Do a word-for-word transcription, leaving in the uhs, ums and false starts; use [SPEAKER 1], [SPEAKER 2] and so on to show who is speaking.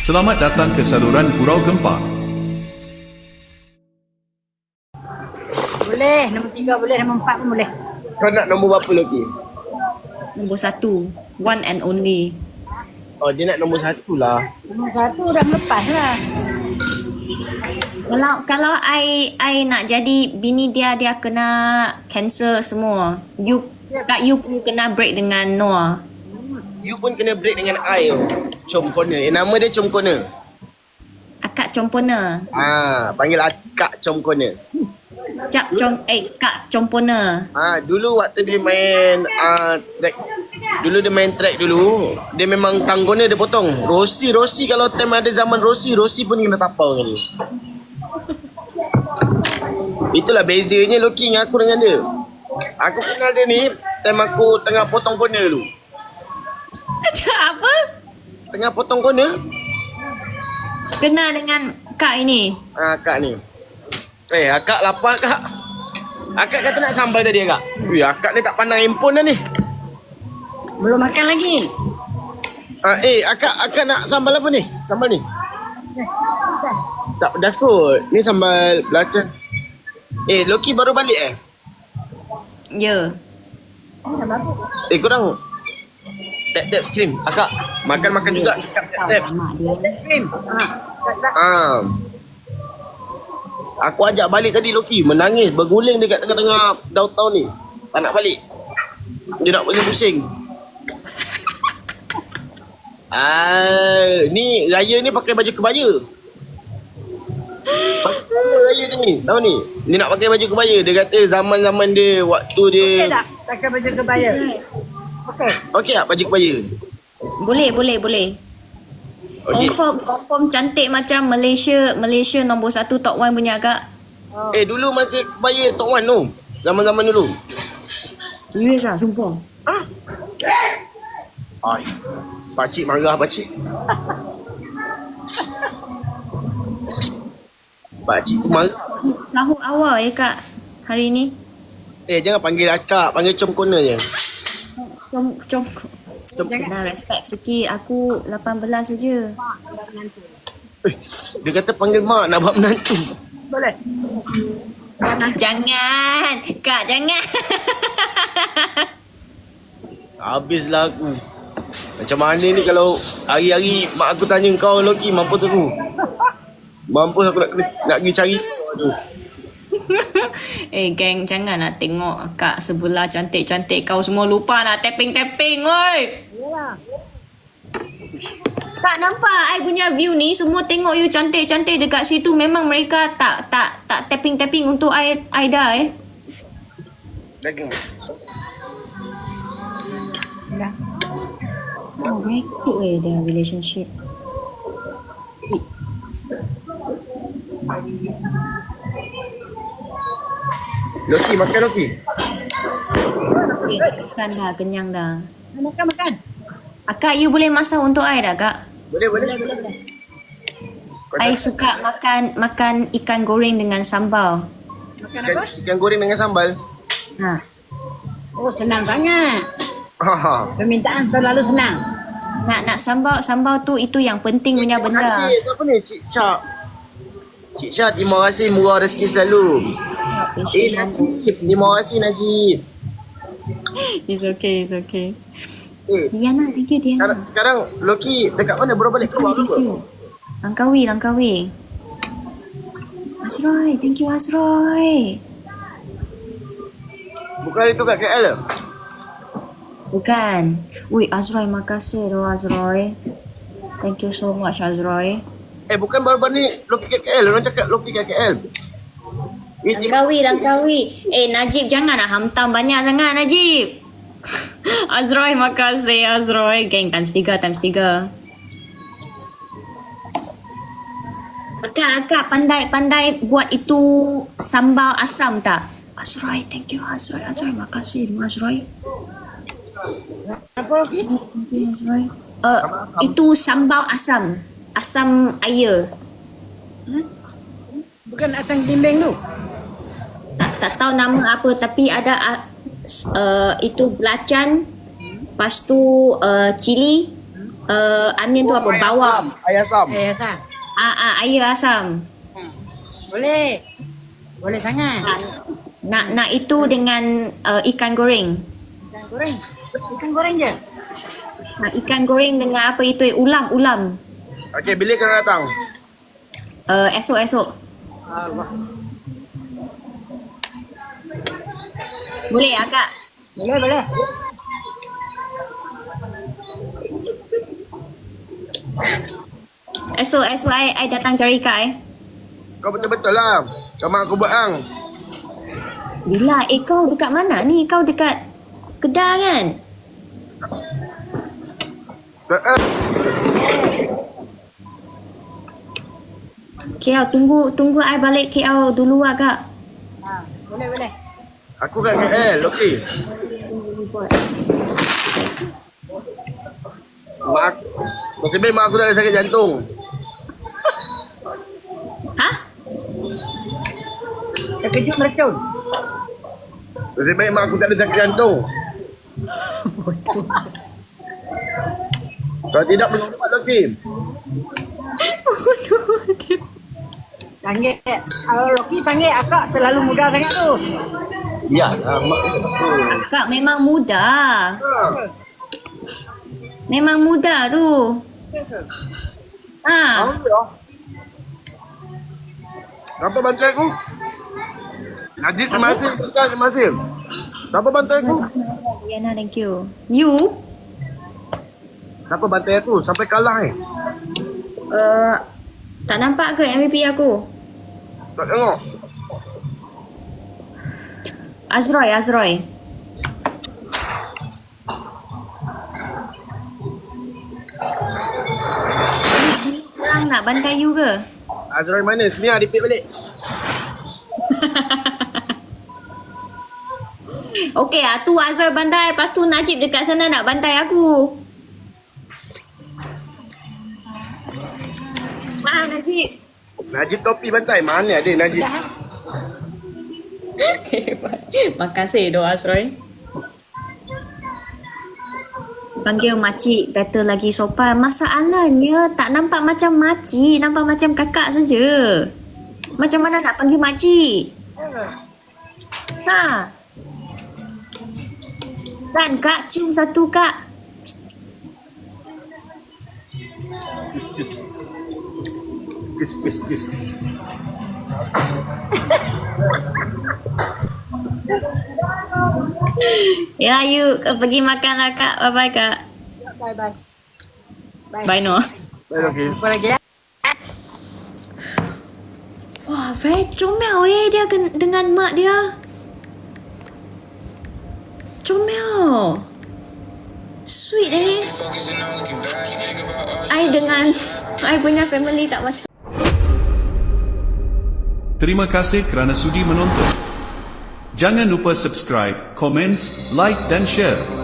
[SPEAKER 1] Selamat datang ke saluran Gurau Gempa.
[SPEAKER 2] Boleh, nombor tiga boleh, nombor empat pun boleh.
[SPEAKER 3] Kau nak nombor berapa lagi?
[SPEAKER 4] Nombor satu. One and only.
[SPEAKER 3] Oh, dia nak nombor satu lah.
[SPEAKER 2] Nombor satu dah melepas lah.
[SPEAKER 4] Kalau kalau I I nak jadi bini dia, dia kena cancel semua. You Kak you pun kena break dengan Noah.
[SPEAKER 3] You pun kena break dengan I tu. Com Corner. Eh, nama dia Com Corner.
[SPEAKER 4] Akak Compona.
[SPEAKER 3] Ah, panggil akak Com Corner.
[SPEAKER 4] Cak com eh Kak Compona.
[SPEAKER 3] Ah, dulu waktu dia main ah track. Dulu dia main track dulu. Dia memang tang corner dia potong. Rossi, Rossi kalau time ada zaman Rossi, Rossi pun kena tapau dengan dia. Itulah bezanya Loki dengan aku dengan dia. Aku kenal dia ni time aku tengah potong corner dulu.
[SPEAKER 4] Apa?
[SPEAKER 3] Tengah potong corner.
[SPEAKER 4] Kenal dengan Kak ini.
[SPEAKER 3] Ah, akak ni. Eh, akak lapar kak. Akak kata nak sambal tadi akak. Ui, akak ni tak pandang handphone dah ni.
[SPEAKER 2] Belum makan lagi.
[SPEAKER 3] Ah, eh, akak akak nak sambal apa ni? Sambal ni? Tak pedas kot. Ni sambal belacan. Eh, Loki baru balik eh?
[SPEAKER 4] Ya.
[SPEAKER 3] Eh, korang tap tap screen. Akak makan-makan juga. Tap tap tap.
[SPEAKER 4] Mak dia.
[SPEAKER 2] Krim. Ha.
[SPEAKER 3] Ah. Aku ajak balik tadi Loki menangis berguling dekat tengah-tengah downtown ni. Tak nak balik. Dia nak pusing-pusing. Ah, ni raya ni pakai baju kebaya. Pakai raya ni, tahu ni. Dia nak pakai baju kebaya. Dia kata zaman-zaman dia waktu dia.
[SPEAKER 2] Okey tak? Pakai baju kebaya. Okey.
[SPEAKER 3] Okey tak baju kebaya?
[SPEAKER 4] Boleh, boleh, boleh.
[SPEAKER 3] Okey.
[SPEAKER 4] Confirm, confirm cantik macam Malaysia, Malaysia nombor satu top one punya Kak.
[SPEAKER 2] Oh.
[SPEAKER 3] Eh, dulu masih kebaya Tok Wan tu. Zaman-zaman dulu.
[SPEAKER 4] Serius ah, sumpah.
[SPEAKER 3] Ai. Pakcik marah pakcik. Pakcik marah.
[SPEAKER 4] Sahur awal ya Kak hari ni.
[SPEAKER 3] Eh, jangan panggil akak, panggil Com Corner je.
[SPEAKER 4] Com com kena respect sikit. Aku lapan belas saja.
[SPEAKER 3] Eh, dia kata panggil mak nak buat menantu.
[SPEAKER 2] Boleh.
[SPEAKER 4] Jangan, Kak, jangan.
[SPEAKER 3] Habislah aku. Macam mana ni kalau hari-hari mak aku tanya kau Loki, mampus aku. Mampus aku nak nak pergi cari kau tu.
[SPEAKER 4] Eh, geng, jangan nak tengok Kak sebelah cantik-cantik kau semua lupa nak tapping-tapping, oi.
[SPEAKER 2] Yalah.
[SPEAKER 4] Tak nampak I punya view ni semua tengok you cantik-cantik dekat situ, memang mereka tak tak tak tapping-tapping untuk I Aida eh.
[SPEAKER 3] Lagi.
[SPEAKER 2] Dah.
[SPEAKER 4] Oh, very cute eh their relationship. Wait.
[SPEAKER 3] Loki, makan Loki.
[SPEAKER 4] Okay, makan dah, kenyang dah.
[SPEAKER 2] Makan makan.
[SPEAKER 4] Akak, you boleh masak untuk I dah, Kak?
[SPEAKER 3] Boleh, boleh.
[SPEAKER 2] Boleh boleh.
[SPEAKER 3] Kau
[SPEAKER 4] I
[SPEAKER 3] tak-
[SPEAKER 4] suka makan makan ikan goreng dengan sambal.
[SPEAKER 2] Makan
[SPEAKER 3] ikan,
[SPEAKER 2] apa?
[SPEAKER 3] ikan goreng dengan sambal.
[SPEAKER 4] Ha.
[SPEAKER 2] Oh, senang sangat.
[SPEAKER 3] Ha ha.
[SPEAKER 2] Permintaan terlalu senang.
[SPEAKER 4] Nak nak sambal sambal tu itu yang penting punya
[SPEAKER 3] Terima
[SPEAKER 4] benda.
[SPEAKER 3] kasih. Siapa ni? Cik Chak. Cik Chak, terima kasih murah rezeki selalu. Eh, Najib. Terima kasih Najib.
[SPEAKER 4] It's okay, it's okay.
[SPEAKER 3] Eh,
[SPEAKER 4] Diana, thank you
[SPEAKER 3] sekarang,
[SPEAKER 4] Diana.
[SPEAKER 3] sekarang Loki dekat mana? Baru balik keluar
[SPEAKER 4] Thank
[SPEAKER 3] ke?
[SPEAKER 4] you. Langkawi, Langkawi. Azroy, thank you Azroy.
[SPEAKER 3] Bukan itu kat K L ke?
[SPEAKER 4] Bukan. Ui, Azroy, makasih doh Azroy. Thank you so much Azroy.
[SPEAKER 3] Eh, bukan baru-baru ni Loki kat K L. Orang cakap Loki kat K L. Eh, terima-
[SPEAKER 4] Langkawi, Langkawi. Eh, Najib janganlah hantam banyak sangat Najib. Azroy, makasih Azroy. Gang times tiga, times tiga. Akak, akak pandai-pandai buat itu sambal asam tak? Azroy, thank you Azroy. Azroy, makasih Azroy.
[SPEAKER 2] Apa?
[SPEAKER 4] Thank you Azroy. Uh, itu sambal asam. Asam air.
[SPEAKER 2] Bukan asam bimbing tu.
[SPEAKER 4] Tak, tak tahu nama apa tapi ada uh, itu belacan, lepas tu uh, cili, Uh, onion tu apa? Bawang.
[SPEAKER 3] Ayam asam.
[SPEAKER 2] Eh, asam.
[SPEAKER 4] Ah, ah, air asam.
[SPEAKER 2] Boleh. Boleh sangat.
[SPEAKER 4] Ah, nak nak itu dengan uh, ikan goreng.
[SPEAKER 2] Ikan goreng. Ikan goreng je.
[SPEAKER 4] Nak ikan goreng dengan apa itu? Ulam, ulam.
[SPEAKER 3] Okey, bila kena datang?
[SPEAKER 4] Uh, esok esok.
[SPEAKER 2] Allah.
[SPEAKER 4] Boleh akak?
[SPEAKER 2] Boleh, boleh.
[SPEAKER 4] Esok esok I, I datang cari kak eh.
[SPEAKER 3] Kau betul-betul lah. Kau mak aku buat hang.
[SPEAKER 4] Bila? Eh kau dekat mana ni? Kau dekat Kedah kan?
[SPEAKER 3] Eh,
[SPEAKER 4] K L tunggu tunggu I balik K L dulu lah kak.
[SPEAKER 2] Ha, boleh, boleh.
[SPEAKER 3] Aku kat K L, okey. Mak, nasib baik mak aku dah ada sakit jantung.
[SPEAKER 4] Hah?
[SPEAKER 2] Terkejut meracun.
[SPEAKER 3] Nasib baik mak aku tak ada sakit jantung. Kalau tidak belum dapat okey.
[SPEAKER 2] Panggil, kalau Loki panggil akak terlalu muda sangat tu.
[SPEAKER 3] Ya, mak.
[SPEAKER 4] Kak memang muda. Memang muda tu. Ha.
[SPEAKER 3] Siapa bantu aku? Najib masih, bukan masih. Siapa bantu aku?
[SPEAKER 4] Diana, thank you. You?
[SPEAKER 3] Siapa bantu aku? Sampai kalah eh.
[SPEAKER 4] Uh, tak nampak ke M V P aku?
[SPEAKER 3] Tak tengok.
[SPEAKER 4] Azroy, Azroy. Ni orang nak bantai you ke?
[SPEAKER 3] Azrael mana? Sini lah, repeat balik.
[SPEAKER 4] Okey, ah tu Azroy bantai, lepas tu Najib dekat sana nak bantai aku. Ah, Najib.
[SPEAKER 3] Najib topi bantai. Mana ada Najib?
[SPEAKER 4] Okay, makasih doa Azroy. Panggil makcik better lagi sopan. Masalahnya tak nampak macam makcik, nampak macam kakak saja. Macam mana nak panggil makcik? Ha. Kan kak, cium satu kak.
[SPEAKER 3] Kiss, kiss, kiss.
[SPEAKER 4] Ya, you pergi makan lah kak. Bye bye kak.
[SPEAKER 2] Bye, bye. Bye.
[SPEAKER 4] Bye no.
[SPEAKER 3] Baik, okey.
[SPEAKER 2] Apa lagi ya?
[SPEAKER 4] Wah, very comel eh dia ken- dengan mak dia. Comel. Sweet eh. I dengan I punya family tak macam.
[SPEAKER 1] Terima kasih kerana sudi menonton. Jangan lupa subscribe, komen, like dan share.